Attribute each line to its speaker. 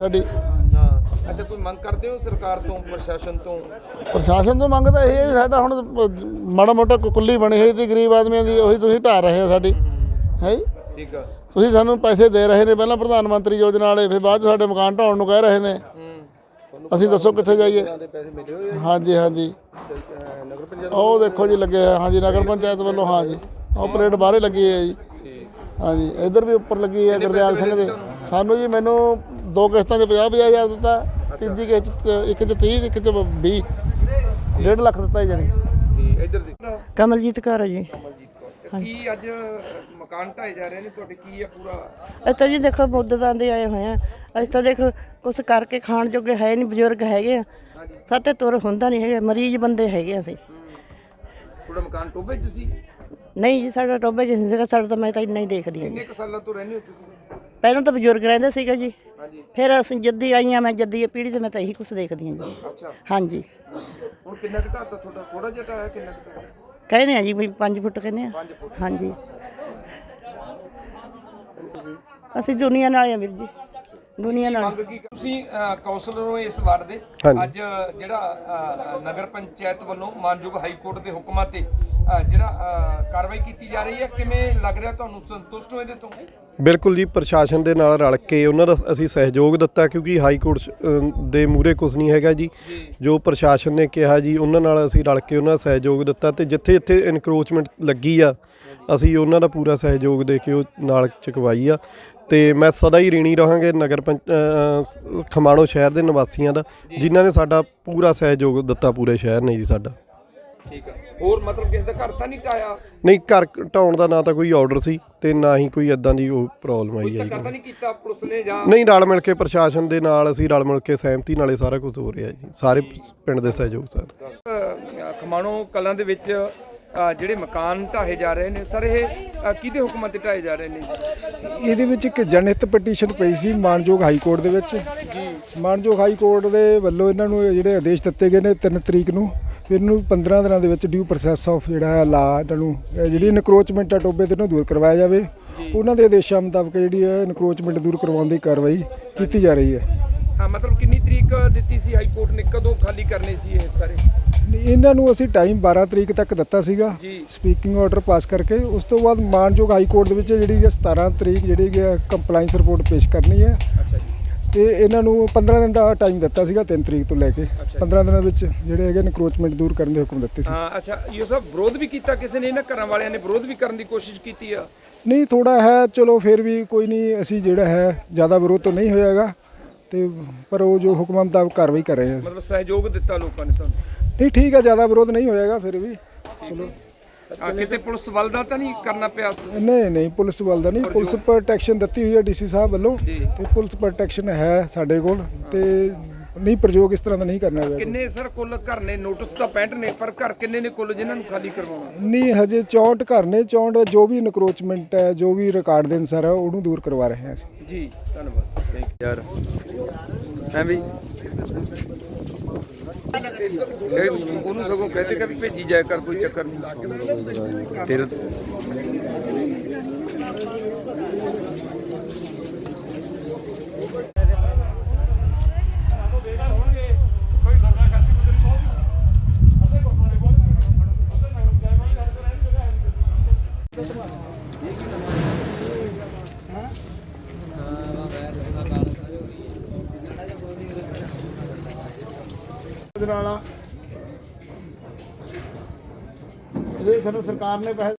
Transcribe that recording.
Speaker 1: ਸਾਡੀ
Speaker 2: ਅੱਛਾ, ਕੋਈ ਮੰਗ ਕਰਦੇ ਹੋ ਸਰਕਾਰ ਤੋਂ, ਪ੍ਰਸ਼ਾਸਨ ਤੋਂ?
Speaker 1: ਪ੍ਰਸ਼ਾਸਨ ਤੋਂ ਮੰਗ ਤਾਂ ਇਹ ਹੈ ਵੀ ਸਾਡਾ ਹੁਣ ਮਾੜਾ ਮੋਟਾ ਕੁੱਲੀ ਬਣੀ ਹੋਈ ਸੀ ਗਰੀਬ ਆਦਮੀਆਂ ਦੀ, ਉਹੀ ਤੁਸੀਂ ਢਾਹ ਰਹੇ ਆ ਸਾਡੀ ਹੈ ਜੀ।
Speaker 2: ਠੀਕ ਆ।
Speaker 1: ਤੁਸੀਂ ਸਾਨੂੰ ਪੈਸੇ ਦੇ ਰਹੇ ਨੇ, ਪਹਿਲਾਂ ਪ੍ਰਧਾਨ ਮੰਤਰੀ ਯੋਜਨਾ ਵਾਲੇ, ਫਿਰ ਬਾਅਦ 'ਚ ਸਾਡੇ ਮਕਾਨ ਢਾਉਣ ਨੂੰ ਕਹਿ ਰਹੇ ਨੇ। ਅਸੀਂ ਦੱਸੋ ਕਿੱਥੇ ਜਾਈਏ? ਹਾਂਜੀ ਹਾਂਜੀ, ਉਹ ਦੇਖੋ ਜੀ ਲੱਗੇ ਹੋਏ, ਹਾਂਜੀ ਨਗਰ ਪੰਚਾਇਤ ਵੱਲੋਂ, ਹਾਂਜੀ ਉਹ ਪਰੇਡ ਬਾਹਰੇ ਲੱਗੀ ਹੈ ਜੀ। ਹਾਂਜੀ ਇੱਧਰ ਵੀ ਉੱਪਰ ਲੱਗੀ ਹੈ ਗੁਰਦਿਆਲ ਸਿੰਘ ਦੇ। ਸਾਨੂੰ ਜੀ ਮੈਨੂੰ 2 ਕਿਸ਼ਤਾਂ 'ਚ 50,000 ਦਿੱਤਾ, ਤੀਜੀ ਕਿਸ਼ਤ ਇੱਕ 'ਚ 30, ਇੱਕ 'ਚ 20, 1.5 ਲੱਖ ਦਿੱਤਾ ਜੀ।
Speaker 2: ਇੱਧਰ ਦੀ
Speaker 3: ਕਮਲਜੀਤ ਕੌਰ ਜੀ।
Speaker 2: ਕੀ ਅੱਜ ਮਕਾਨ ਢਾਏ ਜਾ ਰਹੇ ਨੇ ਤੁਹਾਡੇ, ਕੀ ਆ ਪੂਰਾ?
Speaker 3: ਅਸੀਂ ਤਾਂ ਜੀ ਦੇਖੋ ਮੁੱਦਤਾਂ ਦੇ ਆਏ ਹੋਏ ਆ। ਅਸੀਂ ਤਾਂ ਦੇਖੋ ਕੁਛ ਕਰਕੇ ਖਾਣ ਜੋਗੇ ਹੈ ਨਹੀਂ, ਬਜ਼ੁਰਗ ਹੈਗੇ ਆ, ਸਾਤੇ ਤੁਰ ਹੁੰਦਾ ਨਹੀਂ ਹੈਗਾ, ਮਰੀਜ਼ ਬੰਦੇ ਹੈਗੇ ਅਸੀਂ।
Speaker 2: ਤੁਹਾਡਾ ਮਕਾਨ ਟੋਭੇ 'ਚ ਸੀ?
Speaker 3: ਨਹੀਂ ਜੀ, ਸਾਡਾ ਟੋਭੇ 'ਚ ਨਹੀਂ ਸੀਗਾ, ਸਾਡਾ ਤਾਂ ਮੈਂ ਤਾਂ ਇੰਨਾ ਹੀ ਦੇਖਦੀ ਹਾਂ ਜੀ।
Speaker 2: ਕਿੰਨੇ ਕੁ ਸਾਲਾਂ ਤੋਂ ਰਹਿੰਦੇ ਹੋ ਤੁਸੀਂ?
Speaker 3: ਪਹਿਲਾਂ ਤਾਂ ਬਜ਼ੁਰਗ ਰਹਿੰਦੇ ਸੀਗੇ ਜੀ,
Speaker 2: ਹਾਂਜੀ।
Speaker 3: ਫਿਰ ਅਸੀਂ ਜੱਦੀ ਆਈਆਂ, ਮੈਂ ਜੱਦੀ ਪੀੜ੍ਹੀ ਤੇ ਮੈਂ ਤਾਂ ਇਹੀ ਕੁਛ ਦੇਖਦੀ ਹਾਂ ਜੀ।
Speaker 2: ਅੱਛਾ,
Speaker 3: ਹਾਂਜੀ।
Speaker 2: ਹੁਣ ਕਿੰਨਾ ਕੁ ਢਾਤਾ ਤੁਹਾਡਾ? ਥੋੜਾ ਜਿਹਾ ਢਾਇਆ, ਕਿੰਨਾ ਕੁ ਢਾਇਆ?
Speaker 3: ਕਹਿੰਦੇ ਆ ਜੀ ਵੀ 5 ਫੁੱਟ ਕਹਿੰਦੇ ਆ।
Speaker 2: 5 ਫੁੱਟ।
Speaker 3: ਹਾਂਜੀ, ਅਸੀਂ ਦੁਨੀਆ ਨਾਲ ਆ ਵੀਰ ਜੀ, ਦੁਨੀਆ ਨਾਲ।
Speaker 2: ਮੰਗ ਕੀ ਤੁਸੀਂ ਕੌਂਸਲਰ ਹੋ ਇਸ ਵਾਰਡ ਦੇ? ਅੱਜ ਜਿਹੜਾ ਨਗਰ ਪੰਚਾਇਤ ਵੱਲੋਂ ਮਾਨਯੋਗ ਹਾਈ ਕੋਰਟ ਦੇ ਹੁਕਮਾਂ ਤੇ ਜਿਹੜਾ ਕਾਰਵਾਈ ਕੀਤੀ ਜਾ ਰਹੀ ਹੈ, ਕਿਵੇਂ ਲੱਗ ਰਿਹਾ ਤੁਹਾਨੂੰ? ਸੰਤੁਸ਼ਟ ਹੋ ਇਹਦੇ ਤੋਂ?
Speaker 4: ਬਿਲਕੁਲ ਜੀ, ਪ੍ਰਸ਼ਾਸਨ ਦੇ ਨਾਲ ਰਲ ਕੇ ਉਹਨਾਂ ਦਾ ਅਸੀਂ ਸਹਿਯੋਗ ਦਿੱਤਾ, ਕਿਉਂਕਿ ਹਾਈ ਕੋਰਟ ਦੇ ਮੂਹਰੇ ਕੁਝ ਨਹੀਂ ਹੈਗਾ ਜੀ। ਜੋ ਪ੍ਰਸ਼ਾਸਨ ਨੇ ਕਿਹਾ ਜੀ, ਉਹਨਾਂ ਨਾਲ ਅਸੀਂ ਰਲ ਕੇ ਉਹਨਾਂ ਦਾ ਸਹਿਯੋਗ ਦਿੱਤਾ, ਤੇ ਜਿੱਥੇ ਜਿੱਥੇ ਇਨਕਰੋਚਮੈਂਟ ਲੱਗੀ ਆ ਅਸੀਂ ਉਹਨਾਂ ਦਾ ਪੂਰਾ ਸਹਿਯੋਗ ਦੇ ਕੇ ਉਹ ਨਾਲ ਚੁਕਵਾਈ ਆ। ਤੇ ਮੈਂ ਸਦਾ ਹੀ ঋਣੀ ਰਹਾਂਗੇ ਨਗਰ ਖਮਾਣੋ ਸ਼ਹਿਰ ਦੇ ਨਿਵਾਸੀਆਂ ਦਾ, ਜਿਨ੍ਹਾਂ ਨੇ ਸਾਡਾ ਪੂਰਾ ਸਹਿਯੋਗ ਦਿੱਤਾ, ਪੂਰੇ ਸ਼ਹਿਰ ਨੇ ਜੀ ਸਾਡਾ।
Speaker 2: ਠੀਕ ਹੈ। ਹੋਰ ਮਤਲਬ ਕਿਸੇ ਦਾ ਘਰ ਤਾਂ ਨਹੀਂ ਢਾਇਆ?
Speaker 4: ਨਹੀਂ, ਘਰ ਢਾਉਣ ਦਾ ਨਾ ਤਾਂ ਕੋਈ ਆਰਡਰ ਸੀ ਤੇ ਨਾ ਹੀ ਕੋਈ ਇਦਾਂ ਦੀ ਉਹ ਪ੍ਰੋਬਲਮ ਆਈ ਹੈ ਜੀ।
Speaker 2: ਧੱਕਾ ਤਾਂ ਨਹੀਂ ਕੀਤਾ ਪੁਲਿਸ ਨੇ ਜਾਂ?
Speaker 4: ਨਹੀਂ, ਰਲ ਮਿਲ ਕੇ ਪ੍ਰਸ਼ਾਸਨ ਦੇ ਨਾਲ ਅਸੀਂ ਰਲ ਮਿਲ ਕੇ ਸਹਿਮਤੀ ਨਾਲੇ ਸਾਰਾ ਕੁਝ ਹੋ ਰਿਹਾ ਜੀ, ਸਾਰੇ ਪਿੰਡ ਦੇ ਸਹਿਯੋਗ ਸਰ।
Speaker 2: ਖਮਾਣੋ ਕਲਾਂ ਦੇ ਵਿੱਚ ਜਿਹੜੇ ਮਕਾਨ ਢਾਹੇ ਜਾ ਰਹੇ ਨੇ ਸਰ, ਇਹ ਕਿਹਦੇ ਹੁਕਮਾਂ ਤੇ ਢਾਹੇ ਜਾ ਰਹੇ ਨੇ?
Speaker 5: ਇਹਦੇ ਵਿੱਚ ਇੱਕ ਜਨਹਿਤ ਪਟੀਸ਼ਨ ਪਈ ਸੀ ਮਾਨਯੋਗ ਹਾਈ ਕੋਰਟ ਦੇ ਵਿੱਚ ਜੀ। ਮਾਨਯੋਗ ਹਾਈ ਕੋਰਟ ਦੇ ਵੱਲੋਂ ਇਹਨਾਂ ਨੂੰ ਜਿਹੜੇ ਆਦੇਸ਼ ਦਿੱਤੇ ਗਏ ਨੇ 3 ਤਰੀਕ ਨੂੰ, ਇਹਨੂੰ 15 ਦਿਨਾਂ ਦੇ ਵਿੱਚ ਡਿਊ ਪ੍ਰੋਸੈਸ ਆਫ ਜਿਹੜਾ ਲਾ ਇਹਨਾਂ ਨੂੰ ਜਿਹੜੀ ਇਨਕਰੋਚਮੈਂਟ ਆ ਟੋਬੇ ਤੇ ਨੂੰ ਦੂਰ ਕਰਵਾਇਆ ਜਾਵੇ। ਉਹਨਾਂ ਦੇ ਆਦੇਸ਼ਾਂ ਮੁਤਾਬਕ ਜਿਹੜੀ ਹੈ ਇਨਕਰੋਚਮੈਂਟ ਦੂਰ ਕਰਵਾਉਣ ਦੀ ਕਾਰਵਾਈ ਕੀਤੀ ਜਾ ਰਹੀ ਹੈ।
Speaker 2: ਮਤਲਬ ਕਿੰਨੀ ਤਰੀਕ ਦਿੱਤੀ ਸੀ ਹਾਈ ਕੋਰਟ ਨੇ, ਕਦੋਂ ਖਾਲੀ ਕਰਨੇ ਸੀ ਇਹ ਸਾਰੇ?
Speaker 5: ਇਹਨਾਂ ਨੂੰ ਅਸੀਂ ਟਾਈਮ 12 ਤਰੀਕ ਤੱਕ ਦਿੱਤਾ ਸੀਗਾ ਸਪੀਕਿੰਗ ਆਰਡਰ ਪਾਸ ਕਰਕੇ। ਉਸ ਤੋਂ ਬਾਅਦ ਮਾਨਯੋਗ ਹਾਈ ਕੋਰਟ ਦੇ ਵਿੱਚ ਜਿਹੜੀ 17 ਤਰੀਕ ਜਿਹੜੀ ਕੰਪਲਾਈਂਸ ਰਿਪੋਰਟ ਪੇਸ਼ ਕਰਨੀ ਹੈ। ਤੇ ਇਹਨਾਂ ਨੂੰ 15 ਦਿਨ ਦਾ ਟਾਈਮ ਦਿੱਤਾ ਸੀਗਾ, 3 ਤਰੀਕ ਤੋਂ ਲੈ ਕੇ 15 ਦਿਨਾਂ ਵਿੱਚ ਜਿਹੜੇ ਹੈਗੇ ਇਨਕਰੋਚਮੈਂਟ ਦੂਰ ਕਰਨ ਦੇ ਹੁਕਮ ਦਿੱਤੇ ਸੀ।
Speaker 2: ਅੱਛਾ, ਇਹ ਸਭ ਵਿਰੋਧ ਵੀ ਕੀਤਾ ਕਿਸੇ ਨੇ? ਇਹਨਾਂ ਘਰਾਂ ਵਾਲਿਆਂ ਨੇ ਵਿਰੋਧ ਵੀ ਕਰਨ ਦੀ ਕੋਸ਼ਿਸ਼ ਕੀਤੀ ਆ?
Speaker 5: ਨਹੀਂ, ਥੋੜਾ ਹੈ, ਚਲੋ ਫਿਰ ਵੀ ਕੋਈ ਨਹੀਂ, ਅਸੀਂ ਜਿਹੜਾ ਹੈ ਜ਼ਿਆਦਾ ਵਿਰੋਧ ਤਾਂ ਨਹੀਂ ਹੋਇਆਗਾ, ਤੇ ਪਰ ਉਹ ਜੋ ਹੁਕਮਾਂ ਮੁਤਾਬਕ ਕਾਰਵਾਈ ਕਰ ਰਹੇ ਹਾਂ।
Speaker 2: ਮਤਲਬ ਸਹਿਯੋਗ ਦਿੱਤਾ ਲੋਕਾਂ ਨੇ ਤੁਹਾਨੂੰ?
Speaker 5: ਨਹੀਂ, ਠੀਕ ਹੈ, ਜ਼ਿਆਦਾ ਵਿਰੋਧ ਨਹੀਂ ਹੋਇਆਗਾ, ਫਿਰ ਵੀ ਚਲੋ।
Speaker 2: ਕਿਤੇ ਪੁਲਿਸ ਵੱਲ ਦਾ ਤਾਂ ਨਹੀਂ ਕਰਨਾ ਪਿਆ?
Speaker 5: ਨਹੀਂ, ਪੁਲਿਸ ਵੱਲ ਦਾ ਨਹੀਂ, ਪੁਲਿਸ ਪ੍ਰੋਟੈਕਸ਼ਨ ਦਿੱਤੀ ਹੋਈ ਹੈ ਡੀਸੀ ਸਾਹਿਬ ਵੱਲੋਂ, ਤੇ ਪੁਲਿਸ ਪ੍ਰੋਟੈਕਸ਼ਨ ਹੈ ਸਾਡੇ ਕੋਲ, ਤੇ ਨਹੀਂ ਪ੍ਰਯੋਗ ਇਸ ਤਰ੍ਹਾਂ ਦਾ ਨਹੀਂ ਕਰਨਾ ਹੋਇਆ।
Speaker 2: ਕਿੰਨੇ ਸਰ ਕੁੱਲ ਘਰ ਨੇ? ਨੋਟਿਸ ਤਾਂ 65 ਨੇ, ਪਰ ਘਰ ਕਿੰਨੇ ਨੇ ਕੁੱਲ ਜਿਨ੍ਹਾਂ ਨੂੰ ਖਾਲੀ ਕਰਵਾਉਣਾ?
Speaker 5: ਨਹੀਂ, ਹਜੇ 64 ਘਰ ਨੇ। 64 ਜੋ ਵੀ ਇਨਕਰੋਚਮੈਂਟ ਹੈ, ਜੋ ਵੀ ਰਿਕਾਰਡ ਦੇ ਅਨੁਸਾਰ ਹੈ, ਉਹਨੂੰ ਦੂਰ ਕਰਵਾ ਰਹੇ ਹਾਂ ਅਸੀਂ
Speaker 2: ਜੀ। ਧੰਨਵਾਦ ਯਾਰ। ਮੈਂ ਵੀ ਉਹਨੂੰ ਸਗੋਂ ਕਹਤੇ ਕਿ ਭੇਜੀ ਜਾਇਆ ਕਰ, ਕੋਈ ਚੱਕਰ ਨਹੀਂ ਤੇਰੇ।
Speaker 1: ਇਹਦੇ ਸਾਨੂੰ ਸਰਕਾਰ ਨੇ ਪੈਸੇ